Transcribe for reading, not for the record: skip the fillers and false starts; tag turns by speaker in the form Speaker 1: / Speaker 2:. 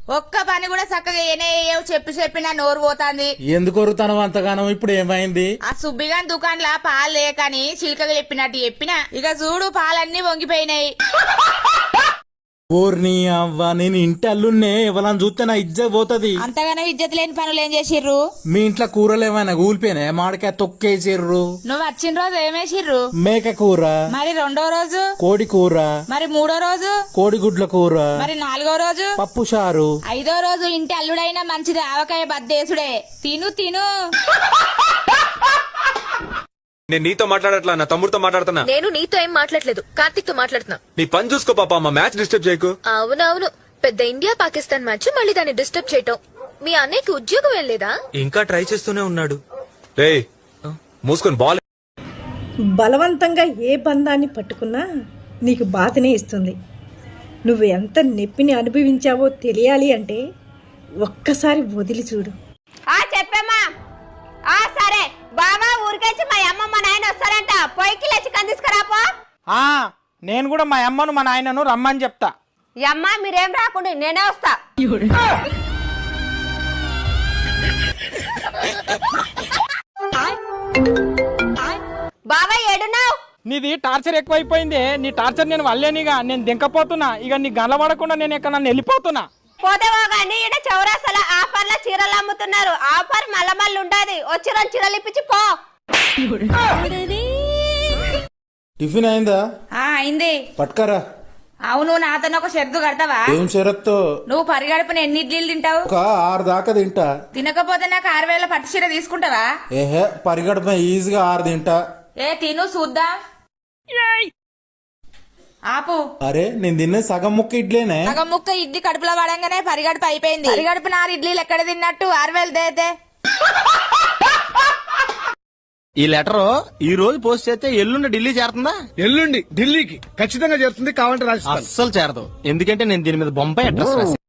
Speaker 1: ఒక్క పని కూడా చక్కగా ఏనేయవు చెప్పినా నోరు పోతాంది.
Speaker 2: ఎందుకు వరుతాను అంతగానం? ఇప్పుడు ఏమైంది?
Speaker 1: ఆ సుబ్బిగాని దుకాణంలో పాలు లేకని చిలకగా చెప్పినట్టు చెప్పినా ఇక చూడు పాలన్నీ వంగిపోయినాయి.
Speaker 2: ఓర్ని అవ్వ, నేను ఇంటి అల్లున్నే, ఎవరని చూస్తే నా ఇజ్జత్ పోతది.
Speaker 1: అంతగానో ఇజ్జత్ లేని పనులు ఏం చేసిర్రు?
Speaker 2: మీ ఇంట్లో కూరలు ఏమైనా కూలిపోయినా? మామిడికాయ తొక్కేసిర్రు.
Speaker 1: నువ్వు వచ్చిన రోజు ఏమేసిర్రు?
Speaker 2: మేక కూర.
Speaker 1: మరి రెండో రోజు?
Speaker 2: కోడి కూర.
Speaker 1: మరి మూడో రోజు?
Speaker 2: కోడిగుడ్ల కూర.
Speaker 1: మరి నాలుగో రోజు?
Speaker 2: పప్పు చారు.
Speaker 1: ఐదో రోజు ఇంటి అల్లుడైనా మంచిది ఆవకాయ బద్దేసుడే. తిను తిను.
Speaker 3: నేను నీతో మాట్లాడట్లా, నా తమ్ముడితో మాట్లాడుతున్నా.
Speaker 4: నేను నీతో ఏం మాట్లాడలేదు, కార్తిక్ తో మాట్లాడుతున్నా.
Speaker 3: నీ పని చూసుకో పాప, మా మ్యాచ్ డిస్టర్బ్ చేయకు.
Speaker 4: అవునవును, పెద్ద ఇండియా పాకిస్తాన్ మ్యాచ్, మళ్ళీ దాన్ని డిస్టర్బ్ చేయటం. మీ అన్నయ్యకి ఉద్యోగం ఏం లేదా?
Speaker 3: ఇంకా ట్రై చేస్తూనే ఉన్నాడు. రే మూసుకొని బాల్.
Speaker 5: బలవంతంగా ఏ బంధాన్ని పట్టుకున్నా నీకు బాధనే ఇస్తుంది. నువ్వు ఎంత నొప్పిని అనుభవించావో తెలియాలి అంటే ఒక్కసారి వదిలి చూడు.
Speaker 1: చెప్పమ్మా. సరే బావా, ఊరికొచ్చి మా అమ్మ మా నాయన వస్తారంట, పొయ్యికి లేచి చికెన్ తీసుకురాపో.
Speaker 6: నేను కూడా మా అమ్మను మా నాయనను రమ్మని చెప్తా.
Speaker 1: అమ్మ మీరేం రాకుండా నేనే వస్తా. బావా ఏడున్నావు?
Speaker 6: నీది టార్చర్ ఎక్కువైపోయింది. నీ టార్చర్ నేను వల్లేనిగా, నేను దింకపోతున్నా. ఇక నీ గండ్ల పడకుండా నేను ఇక్కడ నన్ను వెళ్ళిపోతున్నా.
Speaker 1: పోతేవో గానీ ఇక్కడ చౌరాసల ఆఫర్ల చీరలు అమ్ముతున్నారు. ఆఫర్ మళ్ళీ ఉండదు. వచ్చి రెండు చీరలు ఇప్పించి పో.
Speaker 2: టిఫిన్ అయిందా?
Speaker 1: అయింది.
Speaker 2: పట్కరా.
Speaker 1: అవును, నాతో ఒక షరతు కడతావా?
Speaker 2: ఏం షరత్తు?
Speaker 1: నువ్వు పరిగడుపున ఎన్ని ఇడ్లీలు తింటావు?
Speaker 2: ఒక 6 దాకా తింటా.
Speaker 1: తినకపోతే నాకు 6,000 పట్టు చీర తీసుకుంటావా?
Speaker 2: ఏహే, పరిగడప ఈజీగా 6 తింటా.
Speaker 1: తిను చూద్దాం. ఆపు.
Speaker 2: అరే, నేను తిన్నే సగం ముక్క ఇడ్లీనే.
Speaker 1: సగం ముక్క ఇడ్లీ కడుపులో పడంగానే పరిగడుపు అయిపోయింది. పరిగడుపు 6 ఇడ్లీలు ఎక్కడ తిన్నట్టు? 6,000 దేతే.
Speaker 7: ఈ లెటర్ ఈ రోజు పోస్ట్ చేస్తే ఎల్లుండి ఢిల్లీ చేరుతుందా?
Speaker 8: ఎల్లుండి ఢిల్లీకి ఖచ్చితంగా చేరుతుంది. కావాలంటే రాజస్థాన్
Speaker 7: అస్సలు చేరదు. ఎందుకంటే నేను దీని మీద బొంబాయి అడ్రస్ రాశాను.